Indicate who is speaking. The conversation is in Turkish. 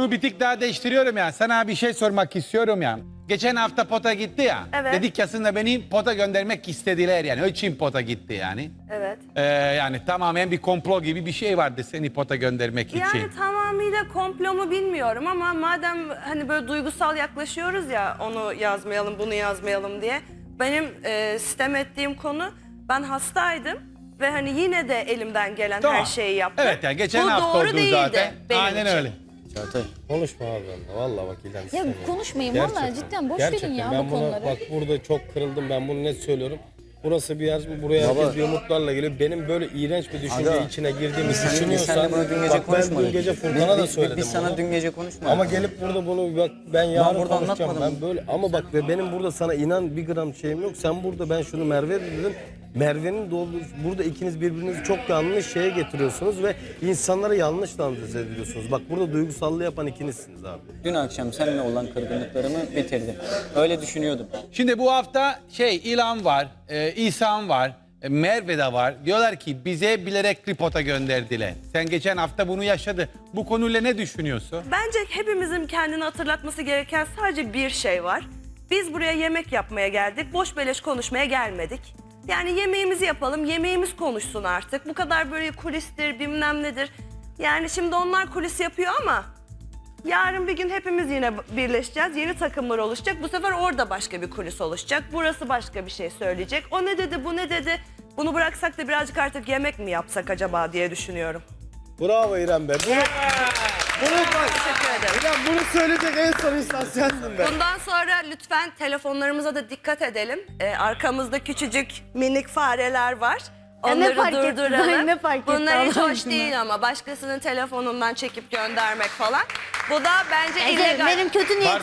Speaker 1: Konu bir tık daha değiştiriyorum yani. Sana bir şey sormak istiyorum yani. Geçen hafta pota gitti ya.
Speaker 2: Evet.
Speaker 1: Dedik aslında beni pota göndermek istediler yani. O için pota gitti yani.
Speaker 2: Evet.
Speaker 1: Yani tamamen bir komplo gibi bir şey vardı seni pota göndermek için.
Speaker 2: Yani tamamıyla komplo mu bilmiyorum ama madem hani böyle duygusal yaklaşıyoruz ya onu yazmayalım bunu yazmayalım diye. Benim sitem ettiğim konu ben hastaydım ve hani yine de elimden gelen
Speaker 1: Tamam.
Speaker 2: her şeyi yaptım.
Speaker 1: Evet yani geçen
Speaker 2: Bu
Speaker 1: hafta
Speaker 2: doğru
Speaker 1: oldu
Speaker 2: değildi
Speaker 1: zaten.
Speaker 2: benim
Speaker 1: Aynen
Speaker 2: için.
Speaker 1: öyle.
Speaker 3: Çağatay konuşma abi benimle. Vallahi bak İlhan
Speaker 4: Ya
Speaker 3: istemiyorum.
Speaker 4: konuşmayın vallahi cidden boş verin ya
Speaker 3: ben
Speaker 4: bu
Speaker 3: buna,
Speaker 4: konuları.
Speaker 3: bak burada çok kırıldım, ben bunu net söylüyorum. Burası bir yer, buraya herkes bir umutlarla geliyor. Benim böyle iğrenç bir düşünce
Speaker 5: Aga,
Speaker 3: içine girdiğimi
Speaker 5: Biz
Speaker 3: düşünüyorsan...
Speaker 5: seninle bunu dün gece
Speaker 3: bak ben
Speaker 5: konuşmadık.
Speaker 3: dün gece Furkan'a da söyledim
Speaker 5: Biz sana
Speaker 3: bunu.
Speaker 5: dün gece konuşmadık.
Speaker 3: Ama gelip burada bunu bak ben yarın
Speaker 5: burada
Speaker 3: konuşacağım.
Speaker 5: anlatmadım.
Speaker 3: Ben böyle ama bak ve benim burada sana inan bir gram şeyim yok. Sen burada ben şunu Merve dedim. Merve'nin burada ikiniz birbirinizi çok yanlış şeye getiriyorsunuz ve insanlara yanlış lanse ediyorsunuz. Bak burada duygusallığı yapan ikinizsiniz abi.
Speaker 5: Dün akşam seninle olan kırgınlıklarımı bitirdim. Öyle düşünüyordum.
Speaker 1: Şimdi bu hafta İlhan var, İhsan var, Merve de var. Diyorlar ki bize bilerek pota gönderdiler. Sen geçen hafta bunu yaşadı. Bu konuyla ne düşünüyorsun?
Speaker 2: Bence hepimizin kendini hatırlatması gereken sadece bir şey var. Biz buraya yemek yapmaya geldik. Boş beleş konuşmaya gelmedik. Yani yemeğimizi yapalım, yemeğimiz konuşsun artık. Bu kadar böyle kulistir, bilmem nedir. Yani şimdi onlar kulis yapıyor ama yarın bir gün hepimiz yine birleşeceğiz. Yeni takımlar oluşacak. Bu sefer orada başka bir kulis oluşacak. Burası başka bir şey söyleyecek. O ne dedi, bu ne dedi? Bunu bıraksak da birazcık artık yemek mi yapsak acaba diye düşünüyorum.
Speaker 3: Bravo İrem be. Bunu bak.
Speaker 2: Teşekkür ederim.
Speaker 3: İrem bunu söyleyecek en son insan sendin be.
Speaker 2: Bundan sonra lütfen telefonlarımıza da dikkat edelim. Arkamızda küçücük minik fareler var.
Speaker 4: Ya ne
Speaker 2: Onları
Speaker 4: fark etti?
Speaker 2: durduralım.
Speaker 4: Ne fark etti
Speaker 2: Bunlar hiç
Speaker 4: Allah
Speaker 2: hoş
Speaker 4: aşkına?
Speaker 2: değil ama başkasının telefonundan çekip göndermek falan. Bu da bence
Speaker 4: Evet,
Speaker 2: illegal.
Speaker 4: benim kötü niyetim